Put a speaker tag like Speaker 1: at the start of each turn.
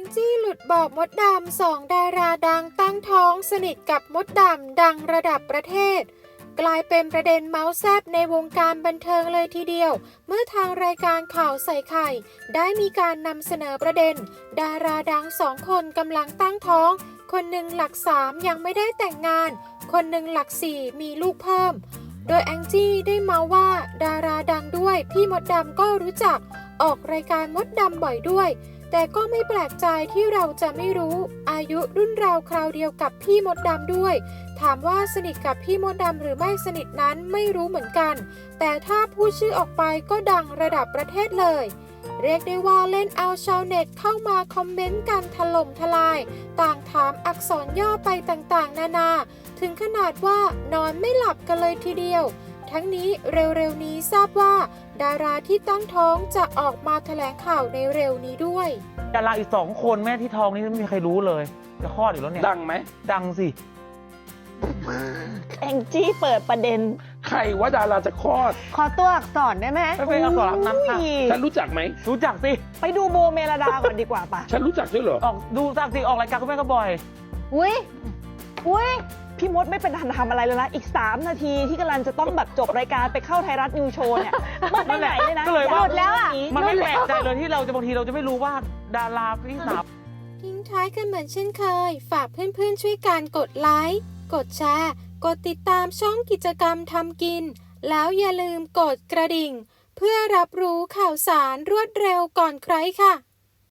Speaker 1: จี้หลุดบอกมดดำ2 ดาราดังตั้งท้องสนิทกับมดดำดังระดับประเทศกลายเป็นประเด็นเมาส์แซบในวงการบันเทิงเลยทีเดียวเมื่อทางรายการข่าวใส่ไข่ได้มีการนำเสนอประเด็นดาราดัง2 คนกำลังตั้งท้องคนหนึ่งหลัก3ยังไม่ได้แต่งงานคนหนึ่งหลัก4มีลูกเพิ่มโดยแองจี้ได้เมาว่าดาราดังด้วยพี่มดดำก็รู้จักออกรายการมดดำบ่อยด้วยแต่ก็ไม่แปลกใจที่เราจะไม่รู้อายุรุ่นราวคราวเดียวกับพี่มดดำด้วยถามว่าสนิทกับพี่มดดำหรือไม่สนิทนั้นไม่รู้เหมือนกันแต่ถ้าพูดชื่อออกไปก็ดังระดับประเทศเลยเรียกได้ว่าเล่นเอาชาวเน็ตเข้ามาคอมเมนต์กันถล่มทลายต่างถามอักษรย่อไปต่างๆนานาถึงขนาดว่านอนไม่หลับกันเลยทีเดียวทั้งนี้เร็วๆนี้ทราบว่าดาราที่ตั้งท้องจะออกมาแถลงข่าวในเร็วนี้ด้วย
Speaker 2: ดาราอีก2 คนแม่ที่ท้องนี่ไม่มีใครรู้เลยจะคลอดอยู่แล้วเนี่ย
Speaker 3: ดังไหม
Speaker 2: ดังสิ
Speaker 4: แองจี้เปิดประเด็น
Speaker 3: ใครว่าดาราจะคลอด
Speaker 4: ขอตัวอักษรได้ไหม
Speaker 2: ไม่เป็นอักษรนั้นค่ะ
Speaker 3: ฉันรู้จักไหม
Speaker 2: รู้จักสิ
Speaker 4: ไปดูโบเมลดาก่อนดีกว่าป่ะ
Speaker 3: ฉันรู้จักด้วยเหรอ
Speaker 2: ออกดูสักสิออกรายการคุณแม่ก็บ่อย
Speaker 4: อุ้ยพี่มดไม่เป็นทันทำอะไรเลยนะอีก3 นาทีที่กำลังจะต้องแบบจบรายการไปเข้าไทยรัฐนิวโชว์เนี่ยมันไปไหนเลยนะ
Speaker 2: ก็เลยว่า
Speaker 4: หมดแล้วอ่ะ
Speaker 2: มันไม่แปลกใจเลยที่เราจะบางทีเราจะไม่รู้ว่าดาราพี่สาว
Speaker 1: ทิ้งท้ายกันเหมือนเช่นเคยฝากเพื่อนๆช่วยกันกดไลค์กดแชร์กดติดตามช่องกิจกรรมทำกินแล้วอย่าลืมกดกระดิ่งเพื่อรับรู้ข่าวสารรวดเร็วก่อนใครค่ะ